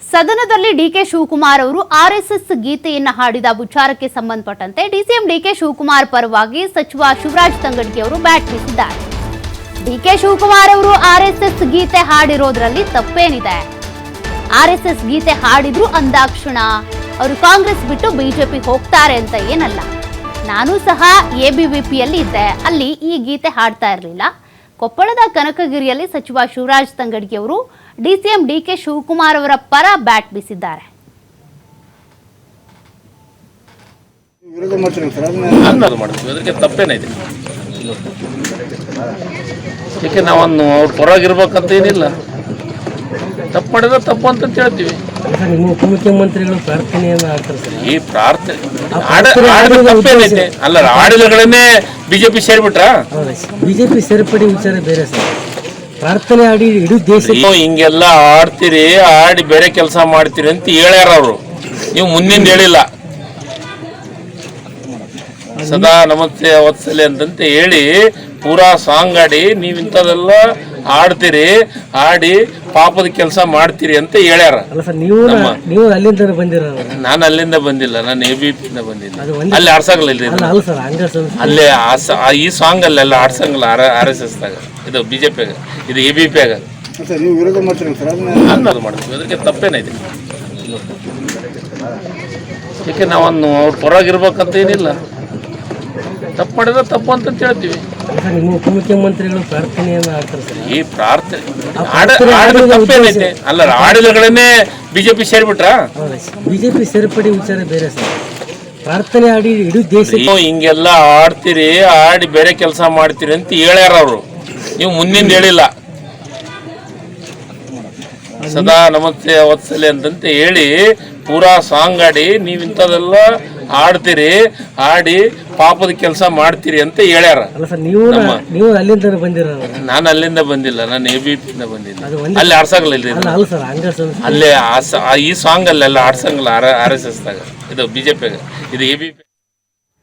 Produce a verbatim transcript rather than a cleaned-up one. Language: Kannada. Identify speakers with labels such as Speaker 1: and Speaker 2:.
Speaker 1: ಸದನದಲ್ಲಿ ಡಿಕೆ ಶಿವಕುಮಾರ್ ಅವರು ಆರ್ಎಸ್ಎಸ್ ಗೀತೆಯನ್ನು ಹಾಡಿದ ವಿಚಾರಕ್ಕೆ ಸಂಬಂಧಪಟ್ಟಂತೆ ಡಿಸಿಎಂ ಡಿಕೆ ಶಿವಕುಮಾರ್ ಪರವಾಗಿ ಸಚಿವ ಶಿವರಾಜ್ ತಂಗಡಗಿ ಅವರು ಬ್ಯಾಟ್ ಬೀಸಿದ್ದಾರೆ. ಡಿಕೆ ಶಿವಕುಮಾರ್ ಅವರು ಆರ್ಎಸ್ಎಸ್ ಗೀತೆ ಹಾಡಿರೋದ್ರಲ್ಲಿ ತಪ್ಪೇನಿದೆ? ಆರ್ಎಸ್ಎಸ್ ಗೀತೆ ಹಾಡಿದ್ರು ಅಂದಾಕ್ಷಣ ಅವರು ಕಾಂಗ್ರೆಸ್ ಬಿಟ್ಟು ಬಿಜೆಪಿ ಹೋಗ್ತಾರೆ ಅಂತ ಏನಲ್ಲ. ನಾನು ಸಹ ಎಬಿವಿಪಿಯಲ್ಲಿ ಇದ್ದೆ, ಅಲ್ಲಿ ಈ ಗೀತೆ ಹಾಡ್ತಾ ಇರಲಿಲ್ಲ. ಕೊಪ್ಪಳದ ಕನಕಗಿರಿಯಲ್ಲಿ ಸಚಿವ ಶಿವರಾಜ್ ತಂಗಡಗಿ ಅವರು ಡಿಸಿಎಂ ಡಿಕೆ ಶಿವಕುಮಾರ್ ಅವರ ಪರ ಬ್ಯಾಟ್ ಬೀಸಿದ್ದಾರೆ.
Speaker 2: ತಪ್ಪೇನೈತೆ? ಏಕೆ ನಾವನ್ನು ಅವ್ರ ಪರವಾಗಿರ್ಬೇಕಂತ ಏನಿಲ್ಲ. ತಪ್ಪು ಮಾಡಿದ್ರೆ ತಪ್ಪು ಅಂತ ಹೇಳ್ತೀವಿ.
Speaker 3: ನಿಮ್ಮ ಉಪಮುಖ್ಯಮಂತ್ರಿಗಳು ಪ್ರಾರ್ಥನೆಯನ್ನ ಮಾಡ್ತಾರೆ ಸರ್.
Speaker 2: ಈ ಪ್ರಾರ್ಥನೆ ತಪ್ಪೇನೈತೆ? ಅಲ್ಲ, ಆಡಳಿತಗಳನ್ನೇ ಬಿಜೆಪಿ ಸೇರ್ಬಿಟ್ರ?
Speaker 3: ಬಿಜೆಪಿ ಸೇರ್ಪಡೆ ವಿಚಾರ ಬೇರೆ ಸರ್. ಪ್ರಾರ್ಥನೆ ಆಡಿ ಇಡೀ ದೇಶ
Speaker 2: ಹಿಂಗೆಲ್ಲ ಆಡ್ತೀರಿ, ಆಡಿ ಬೇರೆ ಕೆಲಸ ಮಾಡ್ತೀರಿ ಅಂತ ಹೇಳ್ಯಾರ ಅವರು. ನೀವು ಮುಂದಿನ ಹೇಳಿಲ್ಲ. ಸದಾ ನಮಸ್ತೆ ವತ್ಸಲೆ ಅಂತಂತ ಹೇಳಿ ಪೂರಾ ಸಾಂಗ್ ಆಡಿ ನೀವು ಇಂಥದೆಲ್ಲ ಆಡ್ತೀರಿ, ಆಡಿ ಪಾಪದ ಕೆಲಸ ಮಾಡ್ತೀರಿ ಅಂತ ಹೇಳ್ಯಾರ.
Speaker 3: ನೀವು ಅಲ್ಲಿಂದ ಬಂದಿರ?
Speaker 2: ನಾನು ಅಲ್ಲಿಂದ ಬಂದಿಲ್ಲ, ನಾನು ಎ ಬಿ ಪಿಯಿಂದ ಬಂದಿಲ್ಲ. ಅಲ್ಲಿ ಆಡ್ಸಂಗಲ್ಲ, ಅಲ್ಲೇ ಈ ಸಾಂಗ್ ಅಲ್ಲೆಲ್ಲ ಆಡ್ಸಂಗಲ್ಲ. ಆರ್ ಎಸ್ ಎಸ್ ದಾಗ, ಇದು ಬಿಜೆಪಿಯಾಗ, ಇದು ಎ ಬಿ ಪಿ ಆಗ ಅನ್ನೋದು ಮಾಡ್ತೀವಿ. ಅದಕ್ಕೆ ತಪ್ಪೇನೈತೆ? ಏಕೆ ನಾವನ್ನು ಅವ್ರ ಪರವಾಗಿರ್ಬೇಕಂತ ಏನಿಲ್ಲ. ತಪ್ಪು ಮಾಡಿದ್ರೆ ತಪ್ಪು ಅಂತ ಹೇಳ್ತೀವಿ.
Speaker 3: ನಿಮ್ಮ ಉಪಮುಖ್ಯಮಂತ್ರಿಗಳು ಪ್ರಾರ್ಥನೆಯನ್ನ ಮಾಡ್ತಾರೆ ಸರ್.
Speaker 2: ಈ ಪ್ರಾರ್ಥನೆ ತಪ್ಪೇನೈತೆ? ಅಲ್ಲ, ಆಡಳಿತಗಳನ್ನೇ ಬಿಜೆಪಿ ಸೇರ್ಬಿಟ್ರ?
Speaker 3: ಬಿಜೆಪಿ ಸೇರ್ಪಡೆ ವಿಚಾರ ಬೇರೆ ಸರ್. ಪ್ರಾರ್ಥನೆ ಆಡಿ ಇಡೀ ದೇಶ
Speaker 2: ಹಿಂಗೆಲ್ಲ ಆಡ್ತೀರಿ, ಆಡಿ ಬೇರೆ ಕೆಲಸ ಮಾಡ್ತೀರಿ ಅಂತ ಹೇಳ್ಯಾರ ಅವರು. ನೀವು ಮುಂದಿನ ಹೇಳಿಲ್ಲ. ಸದಾ ನಮಸ್ತೆ ವತ್ಸಲೆ ಅಂತಂತ ಹೇಳಿ ಪೂರಾ ಸಾಂಗ್ ಆಡಿ ನೀವು ಇಂಥದೆಲ್ಲ ಆಡ್ತೀರಿ, ಆಡಿ ಪಾಪದ ಕೆಲಸ ಮಾಡ್ತೀರಿ ಅಂತ ಹೇಳ್ಯಾರ.
Speaker 3: ನೀವು ಅಲ್ಲಿಂದ ಬಂದಿರ?
Speaker 2: ನಾನು ಅಲ್ಲಿಂದ ಬಂದಿಲ್ಲ, ನಾನು ಎ ಬಿ ಪಿಯಿಂದ ಬಂದಿಲ್ಲ. ಅಲ್ಲಿ ಆಡ್ಸಂಗಲ್ಲ, ಅಲ್ಲೇ ಈ ಸಾಂಗ್ ಅಲ್ಲೆಲ್ಲ ಆಡ್ಸಂಗಲ್ಲ. ಆರ್ ಎಸ್ ಎಸ್ ದಾಗ, ಇದು ಬಿಜೆಪಿಯಾಗ, ಇದು ಎ ಬಿ ಪಿ